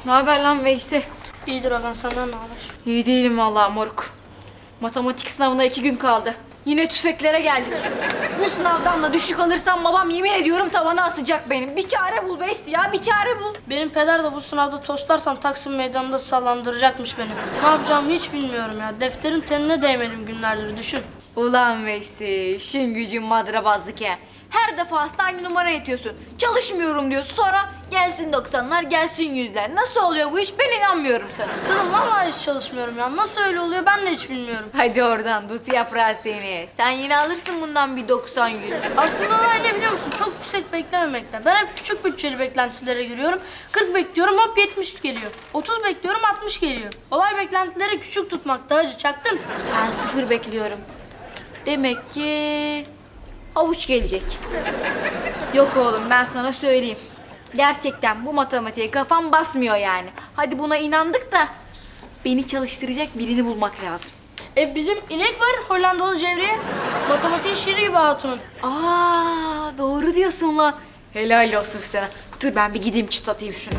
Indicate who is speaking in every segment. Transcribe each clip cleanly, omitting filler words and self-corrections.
Speaker 1: Ne haber lan Veysi?
Speaker 2: İyidir Hakan, senden ne haber?
Speaker 1: İyi değilim vallahi moruk. Matematik sınavına 2 gün kaldı. Yine tüfeklere geldik. Bu sınavdan da düşük alırsam babam yemin ediyorum tavana asacak benim. Bir çare bul Veysi ya, bir çare bul.
Speaker 2: Benim peder de bu sınavda toslarsam Taksim Meydanı'nda sallandıracakmış beni. Ne yapacağımı hiç bilmiyorum ya. Defterin tenine değmedim günlerdir, düşün.
Speaker 1: Ulan Veysi, işin gücün madrabazlık ya. Her defasında aynı numara yetiyorsun. Çalışmıyorum diyorsun, sonra gelsin 90'lar, gelsin 100'ler. Nasıl oluyor bu iş? Ben inanmıyorum sana.
Speaker 2: Kızım vallahi hiç çalışmıyorum ya. Nasıl öyle oluyor ben de hiç bilmiyorum.
Speaker 1: Hadi oradan dut yaprağı seni. Sen yine alırsın bundan bir 90-100.
Speaker 2: Aslında olay ne biliyor musun? Çok yüksek beklememekten. Ben hep küçük bütçeli beklentilere giriyorum. 40 bekliyorum, hop 70 geliyor. 30 bekliyorum, 60 geliyor. Olay beklentileri küçük tutmakta hacı, çaktın.
Speaker 1: Ben 0 bekliyorum. Demek ki avuç gelecek. Yok oğlum, ben sana söyleyeyim. Gerçekten bu matematiğe kafam basmıyor yani. Hadi buna inandık da beni çalıştıracak birini bulmak lazım.
Speaker 2: Bizim inek var Hollandalı Cevriye. Matematiğin şiiri gibi hatunun.
Speaker 1: Aa, doğru diyorsun lan. Helal olsun sana. Dur ben bir gideyim çıtlatayım şunu.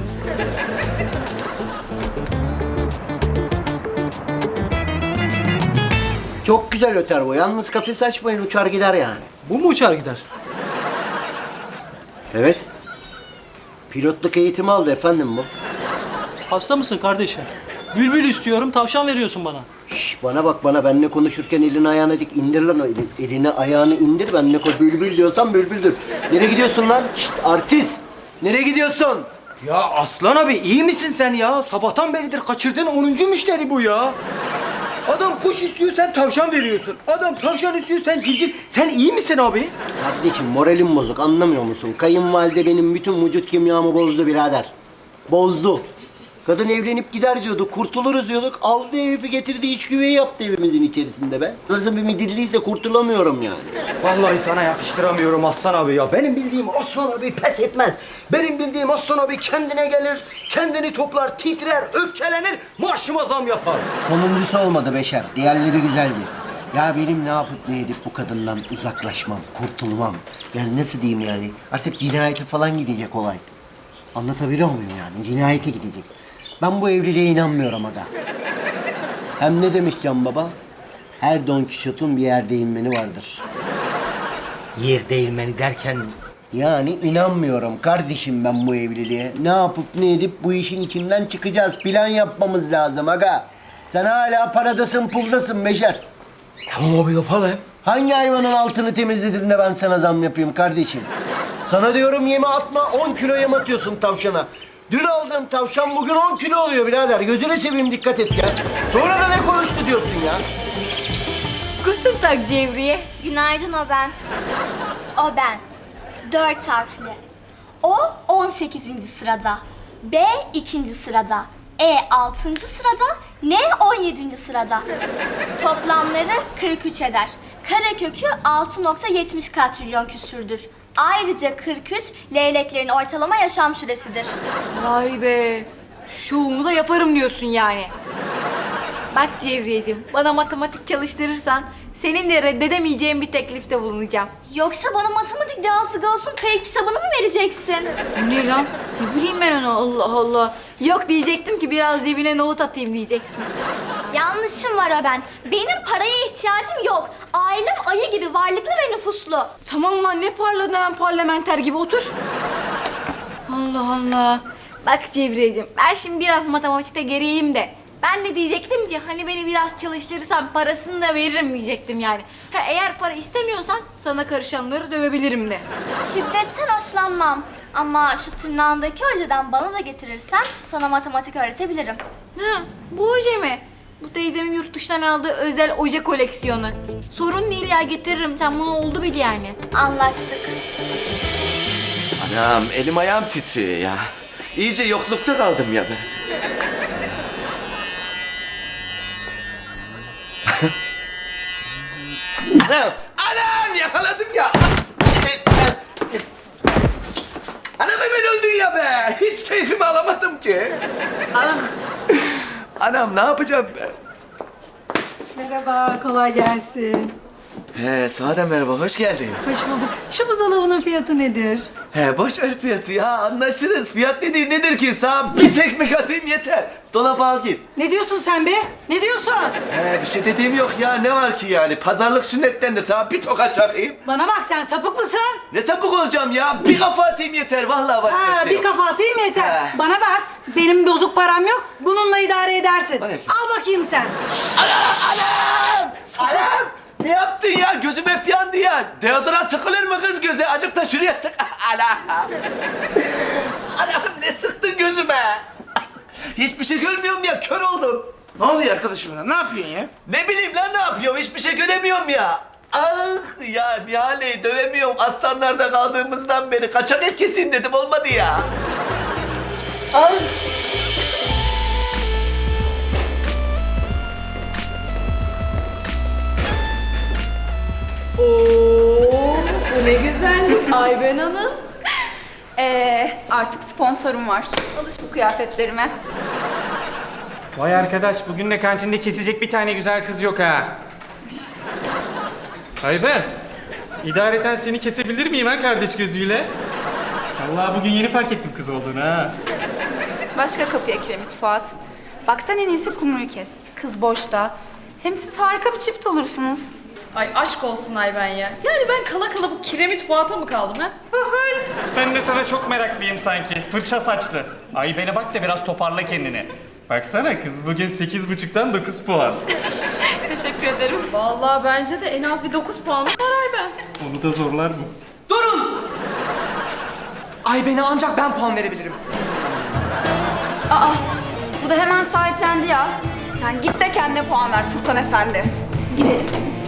Speaker 3: Çok güzel öter bu. Yalnız kafes açmayın, uçar gider yani.
Speaker 4: Bu mu uçar gider?
Speaker 3: Evet. Pilotluk eğitimi aldı efendim bu.
Speaker 4: Hasta mısın kardeşim? Bülbül istiyorum, tavşan veriyorsun bana.
Speaker 3: Şş, bana bak bana, benimle konuşurken elini ayağını dik, indir lan o elini ayağını indir, benimle bülbül diyorsan bülbüldür. Nereye gidiyorsun lan? Şşt, artist! Nereye gidiyorsun?
Speaker 5: Ya Aslan abi iyi misin sen ya? Sabahtan beridir kaçırdığın 10. müşteri bu ya. Adam kuş istiyor, sen tavşan veriyorsun. Adam tavşan istiyor, sen civciv. Sen iyi misin abi?
Speaker 3: Kardeşim moralim bozuk, anlamıyor musun? Kayınvalide benim bütün vücut kimyamı bozdu birader. Bozdu. Kadın evlenip gider diyorduk, kurtuluruz diyorduk. Aldı herifi getirdi, iç güveyi yaptı evimizin içerisinde be. Nasıl bir midilliyse kurtulamıyorum yani.
Speaker 5: Vallahi sana yakıştıramıyorum Aslan abi ya. Benim bildiğim Aslan abi pes etmez. Benim bildiğim Aslan abi kendine gelir, kendini toplar, titrer, öfkelenir, maaşıma zam yapar.
Speaker 3: Sonuncusu olmadı Beşer, diğerleri güzeldi. Ya benim ne yapıp ne edip bu kadından uzaklaşmam, kurtulmam. Yani nasıl diyeyim yani? Artık cinayete falan gidecek olay. Anlatabiliyor muyum yani? Cinayete gidecek. Ben bu evliliğe inanmıyorum aga. Hem ne demiş Can Baba? Her Don Kişot'un bir yer değinmeni vardır.
Speaker 5: Yer değirmeni derken
Speaker 3: Yani inanmıyorum kardeşim ben bu evliliğe. Ne yapıp ne edip bu işin içinden çıkacağız. Plan yapmamız lazım aga. Sen hala paradasın, puldasın Beşer.
Speaker 5: tamam abi yapalım.
Speaker 3: Hangi hayvanın altını temizledin de ben sana zam yapayım kardeşim? Sana diyorum yeme atma, 10 kilo yem atıyorsun tavşana. Dün aldığım tavşan bugün 10 kilo oluyor birader. Gözünü seveyim, dikkat et ya. Sonra da ne konuştu diyorsun ya?
Speaker 1: Guten Tag Cevriye.
Speaker 6: Günaydın, o ben. O ben. 4 harfli. O 18. sırada. B 2. sırada. E 6. sırada. N 17. sırada. Toplamları 43 eder. Karekökü 6,70 katrilyon küsürdür. Ayrıca 43 leyleklerin ortalama yaşam süresidir.
Speaker 1: Vay be. Şovumu da yaparım diyorsun yani. Bak Cevriyeciğim, bana matematik çalıştırırsan senin de reddedemeyeceğin bir teklifte bulunacağım.
Speaker 6: Yoksa bana matematik dehası olsun kayıp kitabını mı vereceksin?
Speaker 1: Bu ne lan? Ne bileyim ben onu, Allah Allah. Yok diyecektim ki biraz cebine nohut atayım diyecektim.
Speaker 6: Yanlışım var o ben. Benim paraya ihtiyacım yok. Ailem ayı gibi varlıklı ve nüfuslu.
Speaker 1: Tamam lan, ne parladın hemen parlamenter gibi, otur. Allah Allah. Bak Cevriyeciğim, ben şimdi biraz matematikte geriyim de. Ben de diyecektim ki hani beni biraz çalıştırırsan parasını da veririm diyecektim yani. Ha, eğer para istemiyorsan sana karışanları dövebilirim de.
Speaker 6: Şiddetten hoşlanmam. Ama şu tırnağındaki hocadan bana da getirirsen sana matematik öğretebilirim.
Speaker 1: Ha, bu oje mi? Bu teyzemin yurt dışından aldığı özel oje koleksiyonu. Sorun değil ya, getiririm. Sen bunu oldu bil yani.
Speaker 6: Anlaştık.
Speaker 7: Anam elim ayağım titriyor ya. İyice yoklukta kaldım ya ben. Anam yakaladım ya. Anam hemen öldün ya be. Hiç keyfimi alamadım ki. Ah. Anam ne yapacağım ben?
Speaker 1: Merhaba, kolay gelsin.
Speaker 7: He, sana da merhaba, hoş geldin.
Speaker 8: Hoş bulduk. Şu buzdolabının fiyatı nedir?
Speaker 7: He, boş ver fiyatı ya, anlaşırız. Fiyat dediğin nedir ki? Sana bir tekmek atayım yeter. Dolaba al git.
Speaker 8: Ne diyorsun sen be? Ne diyorsun?
Speaker 7: He, bir şey dediğim yok ya, ne var ki yani? Pazarlık sünnettendir, sana bir tokat çakayım.
Speaker 8: Bana bak, sen sapık mısın?
Speaker 7: Ne sapık olacağım ya? Bir kafa atayım yeter, vallahi başka
Speaker 8: Ha,
Speaker 7: şey
Speaker 8: bir
Speaker 7: yok.
Speaker 8: kafa atayım yeter.
Speaker 7: Ha.
Speaker 8: Bana bak, benim bozuk param yok. Bununla idare edersin.
Speaker 7: Bana ki.
Speaker 8: Al bakayım sen.
Speaker 7: Anam! Ne yaptın ya? Gözüm hep yandı ya. Deodorant sıkılır mı kız göze? Acık da şuraya sık. Anam! Anam ne sıktın gözüme? Hiçbir şey görmüyorum ya, kör oldum.
Speaker 5: Ne oluyor arkadaşım? Ne yapıyorsun ya?
Speaker 7: Ne bileyim lan ne yapıyorum? Hiçbir şey göremiyorum ya. Ah ya Nihal'i dövemiyorum. Aslanlarda kaldığımızdan beri kaçak et kesin dedim, olmadı ya. Ah!
Speaker 9: Oo, bu ne güzellik Ayben Hanım. Artık sponsorum var. Alış bu kıyafetlerime.
Speaker 10: Vay arkadaş, bugün de kantinde kesecek bir tane güzel kız yok ha. Ayben, idareten seni kesebilir miyim ha kardeş gözüyle? Vallahi bugün yeni fark ettim kız olduğunu ha.
Speaker 9: Başka kapıya kiremit Fuat. Bak sen en iyisi kumruyu kes. Kız boşta. Hem siz harika bir çift olursunuz.
Speaker 11: Ay aşk olsun Ayben ya. Yani ben kala kala bu kiremit Fuat'a mı kaldım ha?
Speaker 10: Ben de sana çok meraklıyım sanki. Fırça saçlı. Ayben'e bak da biraz toparla kendini. Baksana kız bugün 8,5'tan 9 puan.
Speaker 9: Teşekkür ederim.
Speaker 11: Vallahi bence de en az bir 9 puanı var Ayben.
Speaker 10: Onu da zorlar mı?
Speaker 5: Durun! Ayben'e ancak ben puan verebilirim.
Speaker 9: Aa, bu da hemen sahiplendi ya. Sen git de kendine puan ver Furkan Efendi. Gidelim.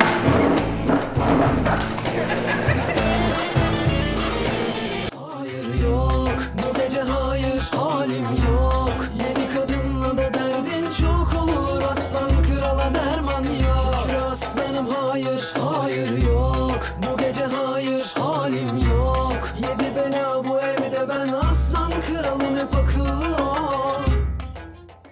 Speaker 12: Hayır yok, bu gece hayır, halim yok. Yeni kadınla da derdin çok olur, aslan krala derman yok. Şükür aslanım hayır, hayır yok. Bu gece hayır, halim yok. Yedi bela bu evde, ben aslan kralım hep akıl.